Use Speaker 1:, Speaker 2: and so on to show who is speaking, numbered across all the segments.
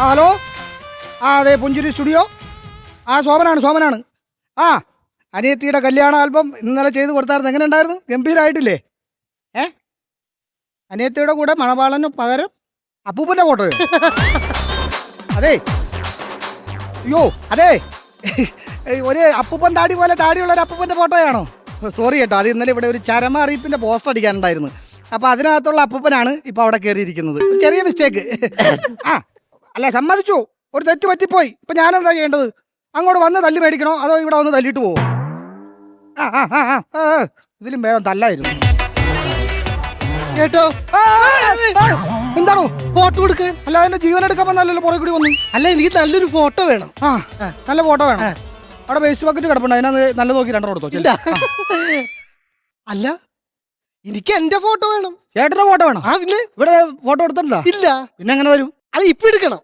Speaker 1: Hello. അതെ, പുഞ്ചിരി studio. സോമനാണ്. അനിയത്തിയുടെ കല്യാണ ആൽബം ഇന്നലെ ചെയ്ത് കൊടുത്തായിരുന്നു. എങ്ങനെ ഉണ്ടായിരുന്നു? ഗംഭീരമായിട്ടില്ലേ? അനിയത്തിയുടെ കൂടെ മണവാളന് പകരം അപ്പൂപ്പൻ്റെ ഫോട്ടോയോ? അതെ, ഒരു അപ്പൂപ്പൻ താടി പോലെ താടിയുള്ള ഒരു അപ്പൂപ്പൻ്റെ ഫോട്ടോയാണോ? സോറി കേട്ടോ, അത് ഇന്നലെ ഇവിടെ ഒരു ചരമ അറിയിപ്പിൻ്റെ പോസ്റ്റർ അടിക്കാനുണ്ടായിരുന്നു. അപ്പോൾ അതിനകത്തുള്ള അപ്പൂപ്പനാണ് ഇപ്പോൾ അവിടെ കയറിയിരിക്കുന്നത്. ചെറിയ മിസ്റ്റേക്ക്. അല്ല, സമ്മതിച്ചു, ഒരു തെറ്റ് പറ്റിപ്പോയി. ഇപ്പം ഞാനെന്താ ചെയ്യേണ്ടത്? അങ്ങോട്ട് വന്ന് തല്ലി മേടിക്കണോ അതോ ഇവിടെ വന്ന് തല്ലിട്ട് പോവോ? ഇതിലും വേഗം തല്ലായിരുന്നു കേട്ടോ. എന്താണോ ഫോട്ടോ കൊടുക്കാൻ? അല്ല, എന്റെ ജീവൻ എടുക്കാൻ വന്നല്ലോ പുറകെ കൂടി വന്നു.
Speaker 2: അല്ല, എനിക്ക് നല്ലൊരു ഫോട്ടോ വേണം.
Speaker 1: നല്ല ഫോട്ടോ വേണം. അവിടെ വേസ്റ്റ് ബക്കറ്റ് കിടപ്പുണ്ട്, അതിനകത്ത് നല്ല നോക്കി രണ്ടെണ്ണം കൊടുത്തോ.
Speaker 2: അല്ല, എനിക്ക് എന്റെ ഫോട്ടോ വേണം.
Speaker 1: ചേട്ടന്റെ ഫോട്ടോ വേണം?
Speaker 2: പിന്നെ
Speaker 1: ഇവിടെ ഫോട്ടോ എടുത്തിട്ടുണ്ടോ?
Speaker 2: ഇല്ല.
Speaker 1: പിന്നെ എങ്ങനെ വരും?
Speaker 2: അത് ഇപ്പൊ എടുക്കണം.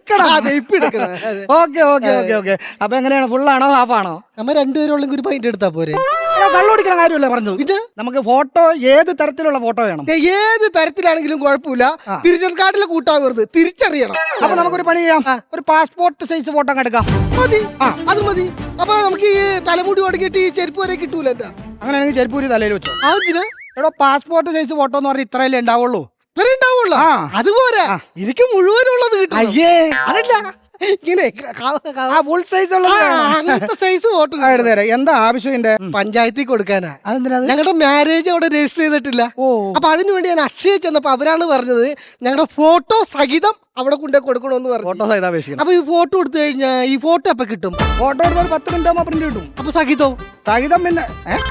Speaker 1: ഓക്കെ. അപ്പൊ എങ്ങനെയാണ്, ഫുള്ളാണോ ഹാഫാണോ?
Speaker 2: നമ്മ രണ്ടുപേരും ഒരു പൈൻറ്റ് എടുത്താ പോരെ?
Speaker 1: കള്ളുപിടിക്കണ കാര്യമല്ലേ പറഞ്ഞത്. ഇത് നമുക്ക് ഫോട്ടോ ഏത് തരത്തിലുള്ള ഫോട്ടോ വേണം?
Speaker 2: ഏത് തരത്തിലാണെങ്കിലും കുഴപ്പമില്ല. തിരിച്ചറിയൽ കാർഡിലെ കൂട്ടാവരുത്, തിരിച്ചറിയണം.
Speaker 1: അപ്പൊ നമുക്കൊരു പണി ചെയ്യാം, ഒരു പാസ്പോർട്ട് സൈസ് ഫോട്ടോ എടുക്കാം.
Speaker 2: മതി, അത് മതി. അപ്പൊ നമുക്ക് ഈ തലമുടി ഒടുക്കിയിട്ട് ഈ ചെരുപ്പ് വരെ കിട്ടൂല. എന്താ
Speaker 1: അങ്ങനെയാണെങ്കിൽ ചെരുപ്പൂരി തലയിൽ വെച്ചോ.
Speaker 2: അതിന്
Speaker 1: എടോ, പാസ്പോർട്ട് സൈസ് ഫോട്ടോ എന്ന് പറഞ്ഞാൽ ഇത്രയല്ലേ ഉണ്ടാവുള്ളൂ?
Speaker 2: അതുപോലെ എനിക്ക് മുഴുവനുള്ളത് കിട്ടും.
Speaker 1: അയ്യേ,
Speaker 2: അതല്ല, ഇങ്ങനെ
Speaker 1: ഫുൾ സൈസ്
Speaker 2: അങ്ങനത്തെ സൈസ് ഫോട്ടോ
Speaker 1: തരാം. എന്താ ആവശ്യം?
Speaker 2: പഞ്ചായത്തിൽ കൊടുക്കാനാ.
Speaker 1: അതെന്തിനാ?
Speaker 2: ഞങ്ങളുടെ മാരേജ് അവിടെ രജിസ്റ്റർ ചെയ്തിട്ടില്ല. അപ്പൊ അതിനുവേണ്ടി ഞാൻ അക്ഷയ ചെന്നപ്പോ അവരാണ് പറഞ്ഞത് ഞങ്ങളുടെ ഫോട്ടോ സഹിതം അവിടെ കൊണ്ടേ കൊടുക്കണമെന്ന് പറഞ്ഞു.
Speaker 1: ഫോട്ടോ സഹിതം അപേക്ഷിക്കണം.
Speaker 2: അപ്പൊ ഈ ഫോട്ടോ എടുത്തു കഴിഞ്ഞാൽ ഈ ഫോട്ടോ അപ്പൊ കിട്ടും.
Speaker 1: ഫോട്ടോ എടുത്താൽ 10 മിനിറ്റ് ആകുമ്പോൾ പ്രിന്റ് കിട്ടും.
Speaker 2: അപ്പൊ സഹിതം
Speaker 1: പിന്നെ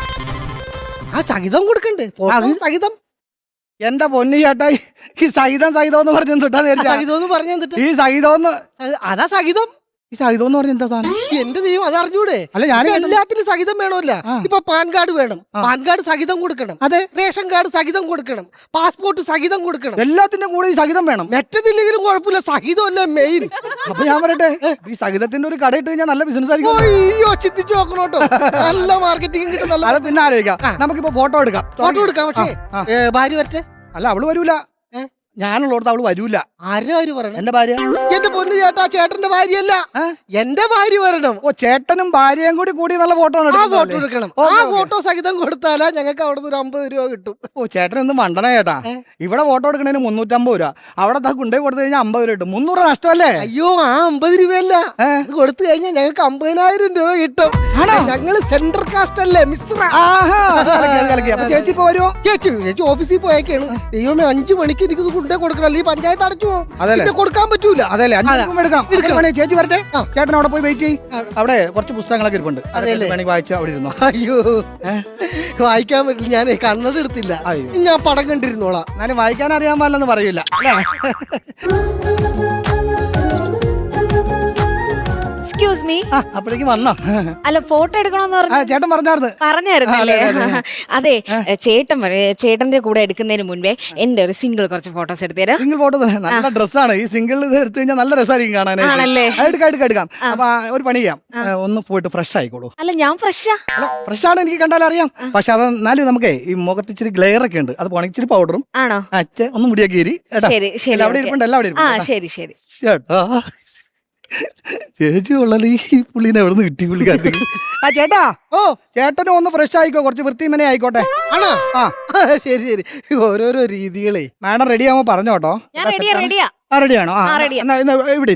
Speaker 2: സഹിതം കൊടുക്കണ്ടേ? സഹിതം.
Speaker 1: എന്റെ പൊന്നി ചേട്ടാ, ഈ സഹിതം എന്ന് പറഞ്ഞ
Speaker 2: സഹിതം പറഞ്ഞ
Speaker 1: ഈ സഹിതം
Speaker 2: അതാ സഹിതം.
Speaker 1: ഈ സഹിതം എന്ന് പറഞ്ഞ എന്താ സാധനം?
Speaker 2: എന്റെ ദൈവം, അതറിഞ്ഞൂടെ?
Speaker 1: അല്ല, ഞാൻ
Speaker 2: എല്ലാത്തിനും സഹിതം വേണമല്ല. ഇപ്പൊ പാൻ കാർഡ് വേണം, പാൻ കാർഡ് സഹിതം കൊടുക്കണം.
Speaker 1: അതെ,
Speaker 2: റേഷൻ കാർഡ് സഹിതം കൊടുക്കണം, പാസ്പോർട്ട് സഹിതം കൊടുക്കണം.
Speaker 1: എല്ലാത്തിന്റെ കൂടെ ഈ സഹിതം വേണം.
Speaker 2: മറ്റതില്ലെങ്കിലും കുഴപ്പമില്ല, സഹിതം അല്ലേ മെയിൻ.
Speaker 1: അപ്പൊ ഞാൻ പറയട്ടെ, ഈ സഹിതത്തിന്റെ ഒരു കട ഇട്ട് കഴിഞ്ഞാൽ നല്ല ബിസിനസ് ആയിരിക്കും.
Speaker 2: അയ്യോ, ചിന്തിച്ചു നോക്കണോട്ടോ, നല്ല മാർക്കറ്റിംഗ് കിട്ടും.
Speaker 1: അത് പിന്നെ ആലോചിക്കാം. നമുക്കിപ്പോ ഫോട്ടോ എടുക്കാം.
Speaker 2: പക്ഷേ ഭാര്യ വരട്ടെ.
Speaker 1: അല്ല, അവള് വരൂല. ഞാനുള്ളടത്ത് അവള് വരൂല.
Speaker 2: ആര് പറയണം?
Speaker 1: എന്റെ ഭാര്യ.
Speaker 2: എന്റെ പൊന്നു ചേട്ടാ, ചേട്ടന്റെ ഭാര്യയല്ല, എന്റെ ഭാര്യ വരണം.
Speaker 1: ചേട്ടനും ഭാര്യയും കൂടി നല്ല ഫോട്ടോ
Speaker 2: എടുക്കണം. ആ ഫോട്ടോ സഹിതം കൊടുത്താലാ ഞങ്ങൾക്ക് അവിടെ നിന്ന് 50 രൂപ കിട്ടും.
Speaker 1: ചേട്ടൻ എന്ത് മണ്ടന ചേട്ടാ. ഇവിടെ ഫോട്ടോ എടുക്കണേന് 350 രൂപ, അവിടെ കൊണ്ടേ കൊടുത്തു കഴിഞ്ഞാൽ 50 രൂപ കിട്ടും. 300 രൂപ നഷ്ടമല്ലേ?
Speaker 2: അയ്യോ, ആ 50 രൂപയല്ല, ഇത് കൊടുത്തു കഴിഞ്ഞാൽ ഞങ്ങൾക്ക് 50,000 രൂപ കിട്ടും. ഞങ്ങള് സെൻട്രൽ കാസ്റ്റ് അല്ലേ, മിസ്റ്റർ.
Speaker 1: ചേച്ചി ഇപ്പൊ വരുമോ?
Speaker 2: ചേച്ചി ഓഫീസിൽ പോയേക്കാണ്. ദൈവമേ, 5 മണിക്ക് എനിക്ക് കൊണ്ടേ കൊടുക്കണം, ഈ പഞ്ചായത്ത് അടച്ചു കൊടുക്കാൻ പറ്റൂല.
Speaker 1: അതല്ലേ, ചേച്ചി വരട്ടെ. ചേട്ടൻ അവിടെ പോയി വെയിറ്റ് ചെയ്യും. അവിടെ കുറച്ച് പുസ്തകങ്ങളൊക്കെ ഇരിപ്പുണ്ട്, വേണമെങ്കിൽ വായിച്ചാൽ അവിടെ ഇരുന്നോ.
Speaker 2: അയ്യോ, വായിക്കാൻ പറ്റില്ല, ഞാൻ കണ്ണട എടുത്തില്ല. ഞാൻ പടം കണ്ടിരുന്നോളാം.
Speaker 1: എന്നാലും വായിക്കാൻ അറിയാൻ പാടില്ലെന്ന് പറയില്ല.
Speaker 3: Excuse me.
Speaker 1: അപ്പോഴേക്കും വന്നോ?
Speaker 3: അല്ല, ഫോട്ടോ എടുക്കണമെന്ന് പറഞ്ഞു.
Speaker 1: ചേട്ടൻ
Speaker 3: പറഞ്ഞായിരുന്നല്ലേ? അതെ, ചേട്ടന്റെ കൂടെ എടുക്കുന്നതിന് മുൻപേ എന്റെ ഒരു സിംഗിൾ കുറച്ച് ഫോട്ടോസ് എടുത്തേരാ.
Speaker 1: സിംഗിൾ ഫോട്ടോ നല്ല ഡ്രസ്സാണ്. ഈ സിംഗിൾ ഇത് എടുത്തു കഴിഞ്ഞാൽ നല്ല രസമായിരിക്കും കാണാനായിട്ട്. എടുക്കാം. അപ്പൊ ഒരു പണി ചെയ്യാം, ഒന്ന് പോയിട്ട് ഫ്രഷ് ആയിക്കോളൂ.
Speaker 3: അല്ല, ഞാൻ
Speaker 1: ഫ്രഷാണ്, എനിക്ക് കണ്ടാലും അറിയാം. പക്ഷെ അതെന്നാലും നമുക്ക് ഈ മുഖത്ത് ഇച്ചിരി ഗ്ലെയർ ഒക്കെ ഉണ്ട്, അത് പോണെങ്കിൽ ഇച്ചിരി പൗഡറും
Speaker 3: ആണോ
Speaker 1: ഒന്ന് മുടിയൊക്കെ ഏരി. അവിടെ ഇരിപ്പുണ്ട്, എല്ലാം അവിടെ ഇരിപ്പുണ്ട്.
Speaker 3: ശരി.
Speaker 1: ചേച്ചി ഉള്ളത് ഈ പുള്ളിനെ എവിടെ നിന്ന് കിട്ടി പുള്ളിക്കാർക്ക്? ചേട്ടാ, ചേട്ടനും ഒന്ന് ഫ്രഷ് ആയിക്കോ, കുറച്ച് വൃത്തിമനെ ആയിക്കോട്ടെ.
Speaker 2: ആണോ? ശരി. ഓരോരോ രീതികളെ.
Speaker 1: മാഡം റെഡി ആവുമ്പോ പറഞ്ഞോട്ടോ. റെഡിയാണോ? ഇവിടെ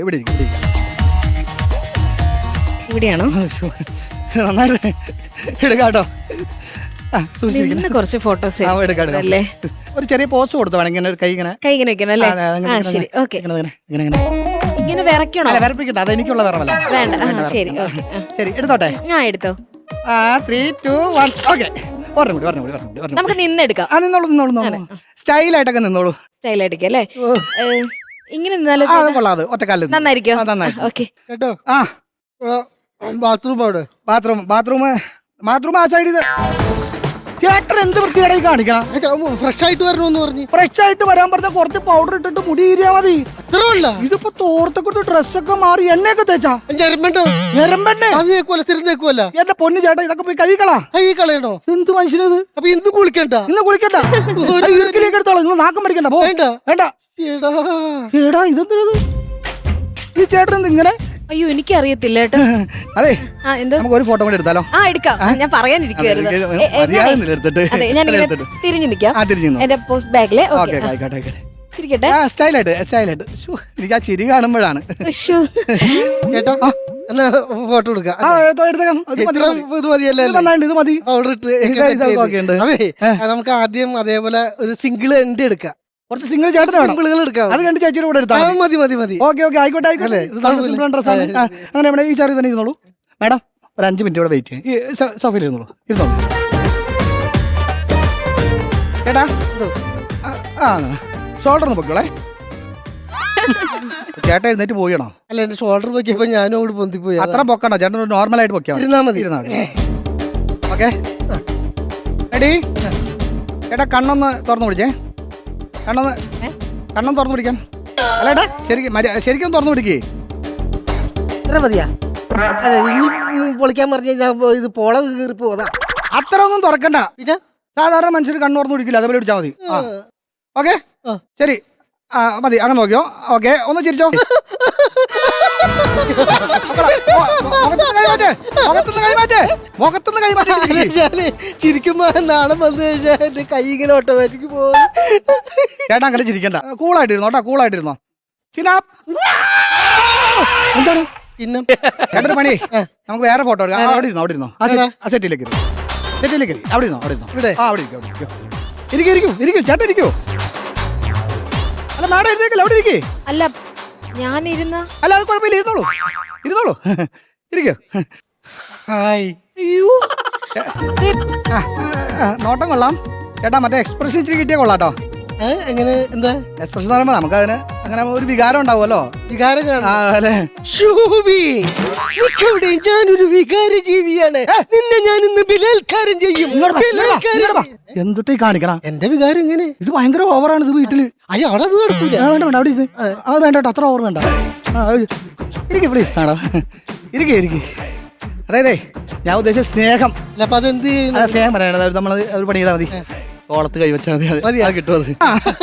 Speaker 3: ഇവിടെയാണോ?
Speaker 1: നന്നായിട്ട് എടുക്കാട്ടോ.
Speaker 3: കുറച്ച് ഫോട്ടോസ്
Speaker 1: അല്ലേ? ഒരു ചെറിയ പോസ് കൊടുത്തു വേണമെങ്കിൽ കൈ ഇങ്ങനെ
Speaker 3: വെക്കണം അല്ലേ? ഇങ്ങനെ വിറയ്ക്കണോ?
Speaker 1: വിറപ്പിക്കട്ടെ, അത് എനിക്കുള്ള വിറവല്ല.
Speaker 3: വേണ്ട. ശരി,
Speaker 1: എടുത്തോട്ടെ.
Speaker 3: എടുത്തോ.
Speaker 1: 3, 2, 1. ഓക്കെ,
Speaker 3: നമുക്ക് നിന്നെടുക്കാം.
Speaker 1: നിന്നോളൂ. സ്റ്റൈലായിട്ടൊക്കെ നിന്നോളൂ.
Speaker 3: സ്റ്റൈലായിട്ടൊക്കെ അല്ലേ? ഇങ്ങനെ നിന്നാലോ?
Speaker 1: കൊള്ളാതെ ഒറ്റക്കാലിൽ
Speaker 3: നന്നായിരിക്കും.
Speaker 1: ഓക്കെ കേട്ടോ.
Speaker 2: ബാത്റൂം
Speaker 1: ആ സൈഡിൽ. ചേട്ടൻ എന്ത് വൃത്തികേടായി കാണിക്കണം?
Speaker 2: ഫ്രഷ് ആയിട്ട് വരണമെന്ന് പറഞ്ഞു.
Speaker 1: ഫ്രഷ് ആയിട്ട് വരാൻ പറഞ്ഞ കുറച്ച് പൗഡർ ഇട്ടിട്ട് മുടി ഈരിയാ മതി.
Speaker 2: അത്രല്ല,
Speaker 1: ഇതിപ്പോ തോർത്തൊക്കെ ഡ്രസ്സൊക്കെ മാറി എണ്ണയൊക്കെ തേച്ചാ എന്റെ പൊന്നു ചേട്ടാ, ഇതൊക്കെ പോയി കഴിക്കളാ. എന്ത് മനുഷ്യനത്?
Speaker 2: അപ്പൊ ഇന്ന് കുളിക്കണ്ട.
Speaker 1: എടുത്തോളൂ, ഇന്ന് നാക്കം പഠിക്കണ്ട. വേണ്ട. ഇതെന്ത് ഈ ചേട്ടൻ എന്ത് ഇങ്ങനെ?
Speaker 3: അയ്യോ എനിക്കറിയത്തില്ല കേട്ടോ.
Speaker 1: അതെ,
Speaker 3: ആ എന്ത്?
Speaker 1: നമുക്ക് ഒരു ഫോട്ടോ കൂടി എടുത്താലോ?
Speaker 3: ആ എടുക്കാം. ഞാൻ പറയാനിരിക്കുവായിരുന്നു.
Speaker 1: എടുത്തിട്ട്
Speaker 3: ഞാൻ തിരിഞ്ഞു നിൽക്കാം. എന്റെ പോസ്റ്റ് ബാഗില്.
Speaker 1: ഓക്കെ, ആയിക്കോട്ടെ ആയിക്കോട്ടെ.
Speaker 3: ഇരിക്കട്ടെ.
Speaker 1: സ്റ്റൈലായിട്ട്. എനിക്ക് ആ ചിരി കാണുമ്പോഴാണ്.
Speaker 3: ഉശ്ശോ.
Speaker 2: ചേട്ടാ എന്നാ ഫോട്ടോ എടുക്കാം.
Speaker 1: എടുത്തേക്കാം.
Speaker 2: ഇത് മതിയല്ലേ?
Speaker 1: ഇത് മതി.
Speaker 2: ഓർഡർ ഇട്ട്
Speaker 1: ഓക്കെ ഉണ്ട്.
Speaker 2: നമുക്ക് ആദ്യം അതേപോലെ ഒരു സിംഗിൾ എൻഡ് എടുക്കാം.
Speaker 1: കുറച്ച് സിംഗിൾ ചേട്ടൻ വേണം.
Speaker 2: സിംഗിളുകൾ എടുക്കാം.
Speaker 1: അത് കണ്ട് ചേച്ചിയുടെ കൂടെ എടുത്താൽ
Speaker 2: മതി.
Speaker 1: ഓക്കെ, ആയിക്കോട്ടെ. അങ്ങനെ ഇവിടെ ഈ ചെറിയ തന്നെ ഇരുന്നോളൂ. മാഡം ഒരു 5 മിനിറ്റ് ഇവിടെ വെയിറ്റ് ചെയ്യും. ഈ സോഫയിൽ ഇരുന്നോളൂ. ചേട്ടാ ഷോൾഡർ ഒന്ന് പൊക്കോളെ. ചേട്ടൻ എഴുന്നേറ്റ് പോയണോ?
Speaker 2: അല്ല, എന്റെ ഷോൾഡർ പൊക്കിയപ്പോ ഞാനും അങ്ങോട്ട് പൊന്തിപ്പോയി.
Speaker 1: അത്ര പൊക്കണ്ട ചേട്ടൻ, നോർമലായിട്ട് പൊക്കിയാ
Speaker 2: ഇരുന്നാ മതി.
Speaker 1: ഓക്കെ എടീ ചേട്ടാ കണ്ണൊന്ന് തുറന്നു പിടിച്ചേ. കണ്ണൊന്ന് തുറന്നു പിടിക്കാൻ. അല്ലേട്ടാ ശരിക്കും തുറന്നു പിടിക്കേ.
Speaker 2: ഇത്ര മതിയാ? അല്ല, ഇനി പൊളിക്കാൻ പറഞ്ഞു കഴിഞ്ഞാൽ ഇത് പോള കീറി പോതാ.
Speaker 1: അത്ര ഒന്നും തുറക്കണ്ട.
Speaker 2: പിന്നെ
Speaker 1: സാധാരണ മനുഷ്യർ കണ്ണു തുറന്നു പിടിക്കില്ല, അതേപോലെ പിടിച്ചാൽ മതി. ഓക്കെ ശരി, മതി. അങ്ങനെ നോക്കിയോ? ഓക്കെ, ഒന്ന് ചിരിച്ചോ. മുഖത്തുനിന്ന് കൈമാറ്റേ.
Speaker 2: ചിരിക്കുമ്പോ നാളെ വന്നു കഴിഞ്ഞാൽ എന്റെ കൈ ഇങ്ങനെ ഓട്ടോമാറ്റിക് പോകും.
Speaker 1: ചേട്ടാ അങ്ങനെ ചിരിക്കണ്ട. കൂളായിട്ടിരുന്നോ കേട്ടോ, കൂളായിട്ടിരുന്നോ. എന്താണ്
Speaker 2: പിന്നെ
Speaker 1: ചേട്ടൊരു പണി, നമുക്ക് വേറെ ഫോട്ടോ എടുക്കാം. അവിടെ ഇരുന്നോ. ആ സെറ്റിലേക്ക് അവിടെ ഇരുന്നോ. ഇരിക്കൂ ചേട്ടൻ ഇരിക്കൂ. അല്ല മാഡം എഴുതേക്കല്ല, അവിടെ ഇരിക്കേ.
Speaker 3: അല്ല ഞാനിരുന്ന.
Speaker 1: അല്ല അത് കുഴപ്പമില്ല, ഇരുന്നോളൂ. ഇരിക്കൂ.
Speaker 2: ഹായ്.
Speaker 3: അയ്യോ
Speaker 1: നോട്ടം കൊള്ളാം ചേട്ടാ. മറ്റേ എക്സ്പ്രഷൻ ഇച്ചിരി കിട്ടിയ കൊള്ളാട്ടോ.
Speaker 2: എങ്ങനെ? എന്താ
Speaker 1: എക്സ്പ്രഷൻ എന്ന് പറയുമ്പോ നമുക്ക് അതിന് അങ്ങനെ ഒരു വികാരം ഉണ്ടാവുമല്ലോ.
Speaker 2: വികാരം
Speaker 1: അല്ലേ?
Speaker 2: ഞാനൊരു വികാര ജീവിയാണ്. നിന്നെ ഞാൻ ഇന്ന് ബലാത്കാരം ചെയ്യും.
Speaker 1: എന്തൊട്ടേ കാണിക്കണം.
Speaker 2: എന്റെ വികാരം ഇങ്ങനെ.
Speaker 1: ഇത് ഭയങ്കര ഓവറാണ് ഇത് വീട്ടില്.
Speaker 2: അയ്യോ അവിടെ അത് നടക്കൂല.
Speaker 1: വേണ്ട അവിടെ ഇത് അത് വേണ്ട കേട്ടോ, അത്ര ഓവർ വേണ്ട. ഇരിക്കേ പ്ലീസ് മാഡം, ഇരിക്കേ. അതായതേ ഞാൻ ഉദ്ദേശിച്ച സ്നേഹം.
Speaker 2: അപ്പൊ അതെന്ത്
Speaker 1: സ്നേഹം പറയണത് നമ്മൾ ഒരു പണി ചെയ്താൽ മതി. തോളത്ത് കൈവച്ചാൽ മതി, അത് കിട്ടും. അത്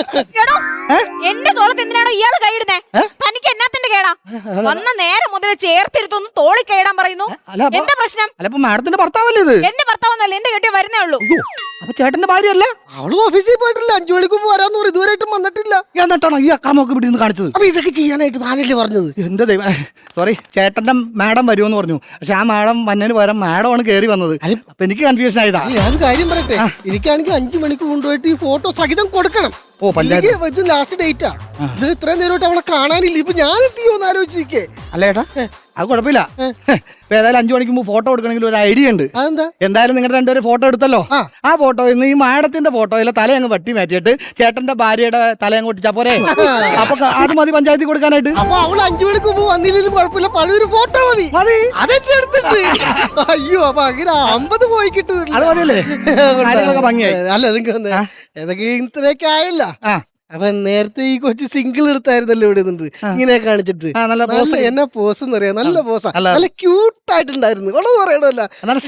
Speaker 3: എന്റെ തോളത്ത് എന്തിനാണോ ഇയാള് കൈയിടുന്നേ? തനിക്ക് എന്നാത്തിന്റെ കേടാ? വന്ന നേരം മുതൽ ചേർത്തിരുത്തൊന്ന് തോളി കൈയിടാൻ പറയുന്നു. എന്താ പ്രശ്നം?
Speaker 1: അല്ല ഇപ്പൊ മാഡത്തിന്റെ ഭർത്താവല്ലേ ഇത്?
Speaker 3: എന്റെ ഭർത്താവൊന്നല്ല, എന്റെ കെട്ടിയ വരുന്നേ ഉള്ളൂ.
Speaker 1: അപ്പൊ ചേട്ടന്റെ ഭാര്യയല്ല?
Speaker 2: അവള് ഓഫീസിൽ പോയിട്ടില്ല. 5 മണിക്ക് വരാന്ന് പറയും. ഇതുവരെയായിട്ടും വന്നിട്ടില്ല.
Speaker 1: എന്നിട്ടാണോ ഈ അക്രമമൊക്കെ ഇവിടെ നിന്ന് കാണിച്ചത്?
Speaker 2: അപ്പൊ ഇതൊക്കെ ചെയ്യാനായിട്ട് താനല്ലേ പറഞ്ഞത്?
Speaker 1: എന്റെ ദൈവം, സോറി. ചേട്ടന്റെ മാഡം വരുമെന്ന് പറഞ്ഞു, പക്ഷെ ആ മാഡം വന്നതിന് പകരം മാഡമാണ് കയറി വന്നത്. അപ്പൊ എനിക്ക് കൺഫ്യൂഷൻ ആയതാ.
Speaker 2: ഞാനൊരു കാര്യം പറയട്ടെ, എനിക്കാണെങ്കിൽ 5 മണിക്ക് കൊണ്ടുപോയിട്ട് ഈ ഫോട്ടോ സഹിതം കൊടുക്കണം. ഇത് ലാസ്റ്റ് ഡേറ്റാ. ഇത് ഇത്രയും നേരമായിട്ട് അവളെ കാണാനില്ല. ഇപ്പൊ ഞാൻ എത്തിയോന്ന് ആലോചിച്ചിരിക്കേ.
Speaker 1: അല്ല ചേട്ടാ അത് കുഴപ്പമില്ല. ഇപ്പൊ ഏതായാലും 5 മണിക്ക് മുമ്പ് ഫോട്ടോ എടുക്കണമെങ്കിൽ ഒരു ഐഡിയ ഉണ്ട്.
Speaker 2: അതെന്താ?
Speaker 1: എന്തായാലും നിങ്ങളുടെ രണ്ടുപേരും ഫോട്ടോ എടുത്തല്ലോ. ആ ഫോട്ടോയിൽ നിന്ന് ഈ മാഡത്തിന്റെ ഫോട്ടോയിലെ തല അങ്ങ് വെട്ടി മാറ്റിയിട്ട് ചേട്ടന്റെ ഭാര്യയുടെ തല അങ്ങ് ഒട്ടിച്ചാ പോരെ? അപ്പൊ അത് മതി പഞ്ചായത്തിൽ കൊടുക്കാനായിട്ട്.
Speaker 2: അപ്പൊ അവള് 5 മണിക്ക് മുമ്പ് വന്നില്ലെങ്കിലും കുഴപ്പമില്ല, പഴയൊരു ഫോട്ടോ മതി. അതെന്റെ അടുത്തുണ്ട്. അയ്യോ, അപ്പൊ അങ്ങനെ 50 പോയി കിട്ടും.
Speaker 1: അത് മതിയല്ലേ? ഭംഗിയായി.
Speaker 2: അല്ല നിങ്ങൾക്ക് ഏതൊക്കെ ഇത്രയൊക്കെ ആയല്ല. അപ്പൊ നേരത്തെ ഈ കൊച്ചു സിംഗിൾ എടുത്തായിരുന്നല്ലോ ഇവിടെ നിന്നിട്ട് ഇങ്ങനെ കാണിച്ചിട്ട്. എന്നാ പോസ് എന്നറിയാം, നല്ല പോസാ, നല്ല ക്യൂട്ട് ആയിട്ടുണ്ടായിരുന്നു. ഉള്ളത് പറയണമല്ല.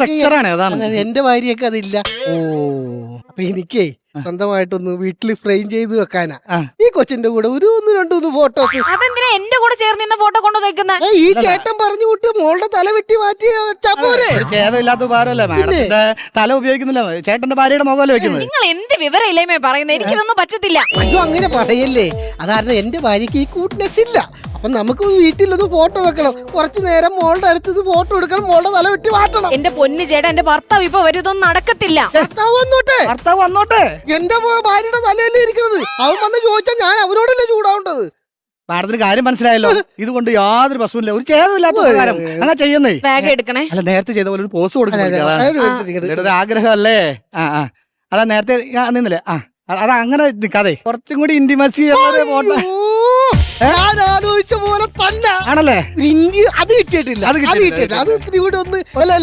Speaker 2: എന്റെ ഭാര്യയൊക്കെ അതില്ല. അപ്പൊ എനിക്കേ സ്വന്തമായിട്ടൊന്ന് വീട്ടിൽ ഫ്രെയിം ചെയ്ത് വെക്കാനാ ഈ കൊച്ചിന്റെ കൂടെ ഒരു 1-2 ഫോട്ടോസ്.
Speaker 3: അതെന്തിനാ എന്റെ കൂടെ ചേർന്ന് നിന്ന ഫോട്ടോ കൊണ്ട് വെക്കുന്നത്?
Speaker 2: ഈ ചേട്ടൻ പറഞ്ഞു വിട്ട് മോളുടെ തല വെട്ടി മാറ്റി വെച്ചാ പോരെ?
Speaker 1: ചേതമില്ലാത്ത ഉപകാരമല്ലേ മാഡത്തിന്റെ തല ഉപയോഗിക്കുന്നില്ല, ചേട്ടന്റെ ഭാര്യയുടെ മുഖമല്ലേ വെക്കുന്നത്?
Speaker 3: നിങ്ങൾ എന്ത് വിവരം ഇല്ലേമേ പറയുന്നത്? എനിക്കിതൊന്നും പറ്റത്തില്ല.
Speaker 2: അയ്യോ അങ്ങനെ പറയല്ലേ. അതാരണം എന്റെ ഭാര്യക്ക് ഈ കൂട്ട്നെസ് ഇല്ല. അപ്പൊ നമുക്ക് വീട്ടിലൊന്ന് ഫോട്ടോ വെക്കണം. കുറച്ചു നേരം മോളുടെ അടുത്ത് ഫോട്ടോ എടുക്കണം, മോളുടെ തല വെട്ടി മാറ്റണം.
Speaker 3: എന്റെ പൊന്നു ചേട്ടാ, എന്റെ ഭർത്താവ് ഇപ്പൊ വരും, ഇതൊന്നും നടക്കത്തില്ല.
Speaker 2: ഭർത്താവ് വന്നോട്ടെ. എന്റെ ഭാര്യയുടെ തലയല്ലേ ഇരിക്കുന്നത്. അവൻ വന്ന് ചോദിച്ചാൽ ഞാൻ അവരോടല്ലേ ചൂടാവേണ്ടത്?
Speaker 1: മാഡത്തിന് കാര്യം മനസ്സിലായല്ലോ. ഇതുകൊണ്ട് യാതൊരു പ്രശ്നമില്ല, ഒരു ഛേദമില്ലാത്ത കാര്യം അങ്ങനെ ചെയ്യുന്നേ.
Speaker 3: ബാഗ് എടുക്കണേ.
Speaker 1: അല്ല നേരത്തെ ചെയ്ത പോലെ ഒരു പോസ് കൊടുക്കുന്നത് ഒരു ആഗ്രഹമല്ലേ? അതാ നേരത്തെ നിന്നില്ലേ? അതാ അങ്ങനെ നിൽക്കാതെ കുറച്ചും കൂടി ഇന്റിമസി ഫോട്ടോ
Speaker 2: ഞാൻ ആലോചിച്ച പോലെ തന്നെ
Speaker 1: ആണല്ലേ?
Speaker 2: അത് കിട്ടിയിട്ടില്ല. അത് ഇത്തിരി കൂടെ ഒന്ന്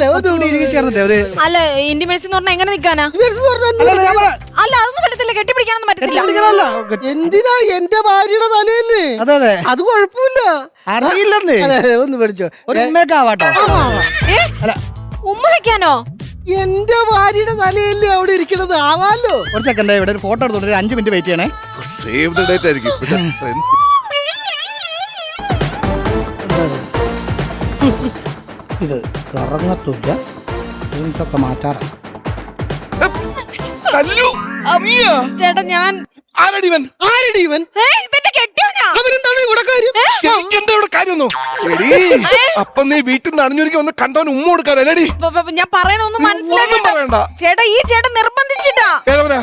Speaker 3: അല്ല ഇന്റിമേഴ്സി എന്ന് പറഞ്ഞാൽ എങ്ങനെ നിൽക്കാനാ? അല്ല അതൊന്നും പറ്റത്തില്ല, കെട്ടിപ്പിടിക്കാനൊന്നും പറ്റത്തില്ല.
Speaker 2: എന്തിനാ എന്റെ ഭാര്യയുടെ തലയല്ലേ?
Speaker 1: അതെ
Speaker 2: അത് കുഴപ്പമില്ല.
Speaker 1: അറിയില്ലെന്നേ.
Speaker 2: ഒന്ന് പഠിച്ചോ.
Speaker 1: ഒരു ഉമ്മേക്കാവാട്ടോ.
Speaker 3: ഉമ്മ വെക്കാനോ?
Speaker 2: എന്റെ ഭാര്യയുടെ തലയല്ലേ അവിടെ ഇരിക്കണത്? ആവാലോ.
Speaker 1: ഒരു സെക്കൻഡ്, ഇവിടെ ഒരു ഫോട്ടോ എടുത്തോണ്ട് 5 മിനിറ്റ് വെയിറ്റ് ചെയ്യണേ.
Speaker 4: സേവ് ദ ഡേറ്റ് ആയിരിക്കും.
Speaker 1: ഇത് ഇറങ്ങത്തില്ല. ജീൻസൊക്കെ മാറ്റാറാണ്.
Speaker 4: കല്ലു, നീയാ?
Speaker 3: ചേട്ടാ ഞാൻ
Speaker 4: ആരടി ഇവൻ?
Speaker 3: ഇതെന്റെ കെട്ടിയോനാ.
Speaker 2: അവനെന്താണ് ഇവിടെ കാര്യം?
Speaker 4: എനിക്കെന്താ ഇവിടെ കാര്യമൊന്നും? എടീ, അപ്പൊ നീ വീട്ടിൽ നിന്ന് അണിഞ്ഞൊരുക്കി ഒന്ന് കണ്ടവൻ ഉമ്മ കൊടുക്കാനല്ലേടി?
Speaker 3: ഞാൻ പറയണൊന്നും
Speaker 4: ഒന്നും
Speaker 3: മനസ്സിലാക്കണ്ട
Speaker 4: പറയണ്ട.
Speaker 3: ചേട്ടാ. ഈ ചേട്ടൻ നിർബന്ധിച്ചിട്ടാ.
Speaker 4: ഏതവനാ?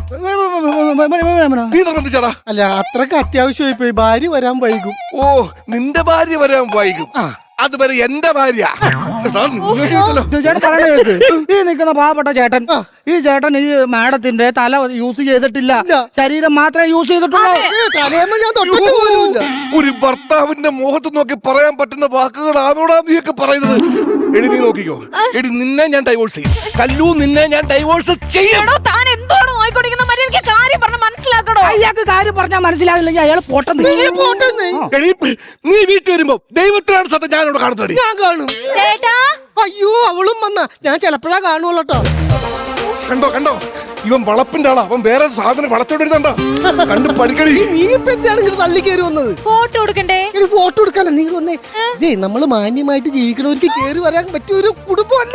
Speaker 4: നീ നിർബന്ധിച്ചാടാ?
Speaker 2: അല്ല, അത്രക്ക് അത്യാവശ്യമായി പോയി. ഭാര്യ വരാൻ വൈകും.
Speaker 4: ഓ, നിന്റെ ഭാര്യ വരാൻ വൈകും. അതുവരെ എന്റെ ഭാര്യ. എടാ, നിന്നെ ചെയ്തല്ലോ.
Speaker 1: ചേട്ടൻ പറയണ കേക്ക്. ഈ നിൽക്കുന്ന പാവപ്പെട്ട ചേട്ടൻ, ഈ ചേട്ടൻ ഈ മാഡത്തിന്റെ തല യൂസ് ചെയ്തിട്ടില്ല, ശരീരം മാത്രമേ യൂസ് ചെയ്തിട്ടുള്ളൂ.
Speaker 2: തലേമ്മ ഞാൻ തൊട്ടിട്ട് പോലുമില്ല.
Speaker 4: ഒരു ഭർത്താവിന്റെ മുഖത്ത് നോക്കി പറയാൻ പറ്റുന്ന വാക്കുകളാണോടാ നീയൊക്കെ പറയുന്നത്? എടി, നീ നോക്കിക്കോ. എടി, നിന്നെ ഞാൻ ഡൈവോഴ്സ് ചെയ്യും. കല്ലു, നിന്നെ ഞാൻ ഡൈവോഴ്സ് ചെയ്യും.
Speaker 3: എടോ, താൻ എന്തോടാ നോയിക്കൊണ്ടിരിക്കുന്ന മര്യാദ? എനിക്ക് കാര്യം പറഞ്ഞ മനസ്സിലാക്കടോ.
Speaker 1: അയാൾക്ക് കാര്യം പറഞ്ഞാൽ മനസ്സിലാകില്ലെങ്കിൽ അയാൾ പോട്ടെന്ന്.
Speaker 4: എടി, നീ വീട്ടിൽ വരുമ്പോ ദൈവത്തിനാണ് സത്യം ഞാൻ ഇവിടെ കാണുന്നത്.
Speaker 2: ഞാൻ കാണും.
Speaker 3: ചേട്ടാ,
Speaker 2: അയ്യോ, അവളും വന്ന ഞാൻ ചിലപ്പോഴാ കാണുള്ളൂ കേട്ടോ.
Speaker 4: കണ്ടോ കണ്ടോ, ഇവൻ വളപ്പിന്റെ ആളാ. അവൻ വേറെ സാധനം വളച്ചോണ്ടിരുന്നുണ്ടോ? കണ്ട് പഠിക്കണി.
Speaker 2: നീ ഇപ്പൊ എന്താണ് ഇങ്ങനെ തള്ളി കയറി വന്നത്?
Speaker 3: ഫോട്ടോ എടുക്കണ്ടേ?
Speaker 2: ഒരു ഫോട്ടോ എടുക്കാനോ നീ വന്നേ? ഇതേ നമ്മള് മാന്യമായിട്ട് ജീവിക്കണവർക്ക് കയറി വരാൻ പറ്റിയ ഒരു കുടുംബമല്ല,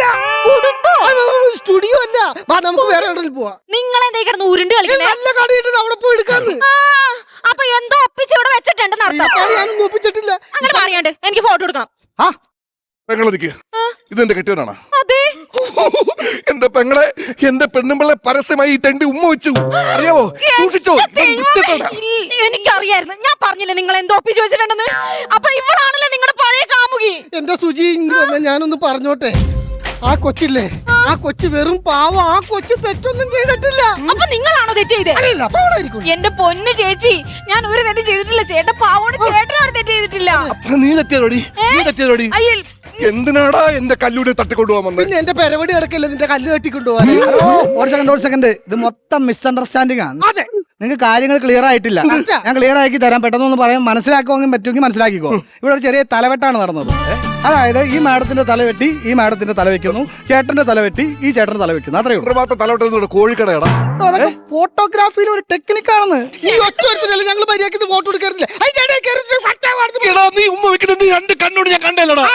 Speaker 2: സ്റ്റുഡിയോ അല്ല. വാ, നമുക്ക് വേറെ എവിടെയും പോവാ.
Speaker 3: നിങ്ങളെന്തേ കിടന്ന് ഉരുണ്ട് കളിക്കുന്നേ?
Speaker 2: നല്ല കടയിട്ട് അവിടെ പോയി എടുക്കാന്ന്.
Speaker 3: അപ്പൊ എന്തോ ഒപ്പിച്ച് ഇവിടെ വെച്ചിട്ടുണ്ടെന്ന് അർത്ഥം.
Speaker 2: ഞാനൊന്നും ഒപ്പിച്ചിട്ടില്ല.
Speaker 3: അങ്ങനെ പറയാണ്ട് എനിക്ക് ഫോട്ടോ എടുക്കണം.
Speaker 4: പെങ്ങളെ നിക്ക്. ഇതെന്റെ കെട്ടിയവനാണ്.
Speaker 3: അതെ,
Speaker 4: എന്റെ പെങ്ങളെ, എന്റെ പെണ്ണുമ്പിള്ളെ പരസ്യമായി ഈ തെണ്ടി ഉമ്മ വെച്ചു. അറിയാവോ? സൂക്ഷിച്ചോ.
Speaker 3: എനിക്കറിയായിരുന്നു. ഞാൻ പറഞ്ഞില്ലേ നിങ്ങൾ എന്തോ ഒപ്പിച്ച് വെച്ചിട്ടുണ്ടെന്ന്. അപ്പൊ ഇവളാണല്ലോ നിങ്ങളുടെ പഴയ കാമുകി.
Speaker 2: എന്റെ സുജി, ഞാനൊന്ന് പറഞ്ഞോട്ടെ. ആ കൊച്ചില്ലേ, ആ കൊച്ചു വെറും പാവം. ആ കൊച്ചു തെറ്റൊന്നും ചെയ്തിട്ടില്ല.
Speaker 3: അപ്പൊ നിങ്ങളാണോ തെറ്റ് ചെയ്തത്? എന്റെ പൊന്ന് ചേച്ചി, ഞാൻ ഒരു തെറ്റ് ചെയ്തിട്ടില്ല. ചേട്ടൻ പാവോട് ചേട്ടനും ഒരു തെറ്റ് ചെയ്തിട്ടില്ല.
Speaker 4: അപ്പൊ നീ തെറ്റിയതോടി? നീ തെറ്റിയതോടി? എന്തിനാടാ എന്റെ കല്ലൂടെ തട്ടിക്കൊണ്ടുപോകാൻ വന്നത്?
Speaker 2: പിന്നെ എന്റെ പെരവടി കിടക്കല്ലേ നിന്റെ കല്ല് കെട്ടിക്കൊണ്ടുപോകാൻ.
Speaker 1: ഒരു സെക്കൻഡ്, ഇത് മൊത്തം മിസ്അണ്ടർസ്റ്റാൻഡിംഗ് ആണ്.
Speaker 2: അതെ,
Speaker 1: നിങ്ങൾക്ക് കാര്യങ്ങൾ ക്ലിയർ ആയിട്ടില്ല. ഞാൻ ക്ലിയർ ആക്കി തരാം. പെട്ടെന്നൊന്ന് പറയാൻ മനസ്സിലാക്കുമെങ്കിൽ പറ്റുമെങ്കിൽ മനസ്സിലാക്കിക്കോ. ഇവിടെ ഒരു ചെറിയ തലവെട്ടാണ് നടന്നത്. അതായത് ഈ മാഡത്തിന്റെ തല വെട്ടി ഈ മാഡത്തിന്റെ തല വെക്കുന്നു, ചേട്ടന്റെ തല വെട്ടി ഈ ചേട്ടന്റെ തല വെക്കുന്നു. അത്രയേ ഉള്ളൂ.
Speaker 4: മാത്രം തലവെട്ടുന്ന കോഴിക്കടയാടാ.
Speaker 1: അതൊക്കെ ഫോട്ടോഗ്രാഫിയിൽ ഒരു ടെക്നിക്കാണെന്ന്.
Speaker 2: ഞങ്ങൾ മര്യാദയ്ക്ക് ഫോട്ടോ എടുക്കാറില്ല.
Speaker 4: നീ ഉമ്മ വെക്കുന്നത് നീ രണ്ട് കണ്ണോട് ഞാൻ കണ്ടല്ലടാ.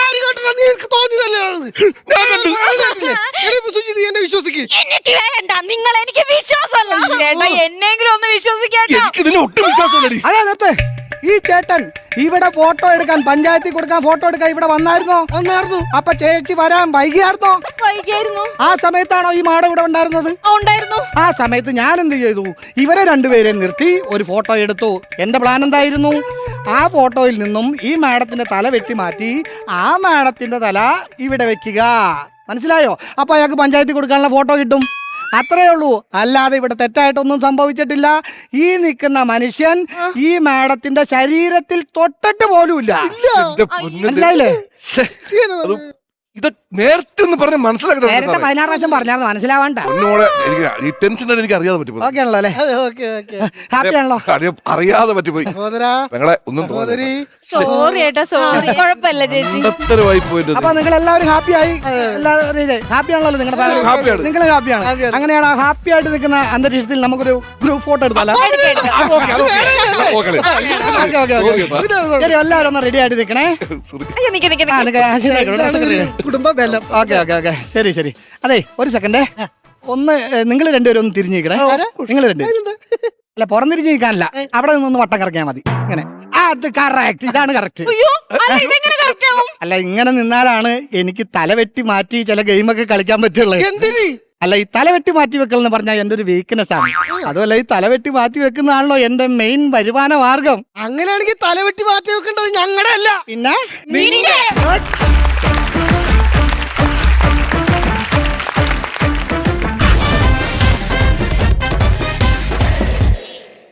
Speaker 2: എന്നെ വിശ്വസിക്ക്.
Speaker 3: എനിക്ക് വേണ്ട, നിങ്ങൾ എനിക്ക് വിശ്വാസമല്ല. ചേട്ടാ, എന്നെങ്കിലും ഒന്ന് വിശ്വസിക്കാട്ടോ.
Speaker 4: എനിക്ക് ഇതിന് ഒട്ടും വിശ്വാസമില്ലടി.
Speaker 1: അതെ, നേരത്തെ ഈ ചേട്ടൻ ഇവിടെ ഫോട്ടോ എടുക്കാൻ, പഞ്ചായത്തിൽ കൊടുക്കാൻ ഫോട്ടോ എടുക്കാൻ ഇവിടെ വന്നായിരുന്നോ? അപ്പൊ ചേച്ചി വരാൻ വൈകിയായിരുന്നോ?
Speaker 3: വൈകിയായിരുന്നു.
Speaker 1: ആ സമയത്താണോ ഈ മാഡം ഇവിടെ ഉണ്ടായിരുന്നത്?
Speaker 3: ഉണ്ടായിരുന്നു.
Speaker 1: ആ സമയത്ത് ഞാൻ എന്ത് ചെയ്തു? ഇവരെ രണ്ടുപേരെ നിർത്തി ഒരു ഫോട്ടോ എടുത്തു. എന്റെ പ്ലാൻ എന്തായിരുന്നു? ആ ഫോട്ടോയിൽ നിന്നും ഈ മാഡത്തിന്റെ തല വെട്ടി മാറ്റി ആ മാഡത്തിന്റെ തല ഇവിടെ വെക്കുക. മനസ്സിലായോ? അപ്പൊ അയാൾക്ക് പഞ്ചായത്തിൽ കൊടുക്കാനുള്ള ഫോട്ടോ കിട്ടും. അത്രേ ഉള്ളൂ. അല്ലാതെ ഇവിടെ തെറ്റായിട്ടൊന്നും സംഭവിച്ചിട്ടില്ല. ഈ നിൽക്കുന്ന മനുഷ്യൻ ഈ മാഡത്തിന്റെ ശരീരത്തിൽ തൊട്ടിട്ട് പോലുമില്ല. മനസ്സിലായില്ലേ?
Speaker 4: ഇത് നേരത്തെ ഒന്ന് പറഞ്ഞ് മനസ്സിലാക്കി
Speaker 1: നേരത്തെ 16 പ്രാവശ്യം പറഞ്ഞാൽ മനസ്സിലാവാണ്ട.
Speaker 4: ഈ ടെൻഷൻ എനിക്ക് അറിയാതെ പറ്റിപ്പോയി.
Speaker 1: ഓക്കെ ആണല്ലോ അല്ലേ? ഹാപ്പി ആണല്ലോ?
Speaker 4: അറിയാതെ പറ്റിപ്പോയി. പെങ്ങളെ ഒന്നും
Speaker 3: സോറി ഏട്ടാ, സോറി. കുഴപ്പമില്ല ചേച്ചി.
Speaker 1: അപ്പൊ നിങ്ങൾ എല്ലാവരും ഹാപ്പിയായി? ഹാപ്പി ആണല്ലോ നിങ്ങളുടെ ഫാമിലി? നിങ്ങൾ ഹാപ്പിയാണ്? അങ്ങനെയാണ് ആ ഹാപ്പി ആയിട്ട് നിൽക്കുന്ന അന്തരീക്ഷത്തിൽ നമുക്കൊരു ഗ്രൂപ്പ് ഫോട്ടോ എടുത്താലോ? ശരി, എല്ലാവരും ഒന്ന് റെഡി ആയിട്ട് നിൽക്കണേ.
Speaker 2: കുടുംബ ബലം.
Speaker 1: ഓക്കെ, ശരി ശരി. അതെ, ഒരു സെക്കൻഡ്. ഒന്ന് നിങ്ങൾ രണ്ടുപേരും ഒന്ന് തിരിഞ്ഞിരിക്കണേ. നിങ്ങൾ രണ്ടുപേരും അല്ല, പുറംതിരിഞ്ഞ് നിൽക്കാനല്ല, അവിടെ നിന്നൊന്ന് വട്ടം കറക്കിയാൽ മതി. ഇങ്ങനെ. അത് കറക്റ്റ്, ഇതാണ് കറക്റ്റ്. അല്ല, ഇങ്ങനെ നിന്നാലാണ് എനിക്ക് തല വെട്ടി മാറ്റി ചില ഗെയിമൊക്കെ കളിക്കാൻ പറ്റുള്ളത്.
Speaker 2: എന്തിന്?
Speaker 1: അല്ല, ഈ തലവെട്ടി മാറ്റി വെക്കൽ എന്ന് പറഞ്ഞാൽ എന്റെ ഒരു വീക്ക്നെസ് ആണ്. അതുമല്ല, ഈ തലവെട്ടി മാറ്റി വെക്കുന്നതാണല്ലോ എന്റെ മെയിൻ വരുമാന മാർഗം.
Speaker 2: അങ്ങനെയാണെങ്കിൽ തലവെട്ടി മാറ്റി വെക്കേണ്ടത് ഞങ്ങളുടെ അല്ല,
Speaker 1: പിന്നെ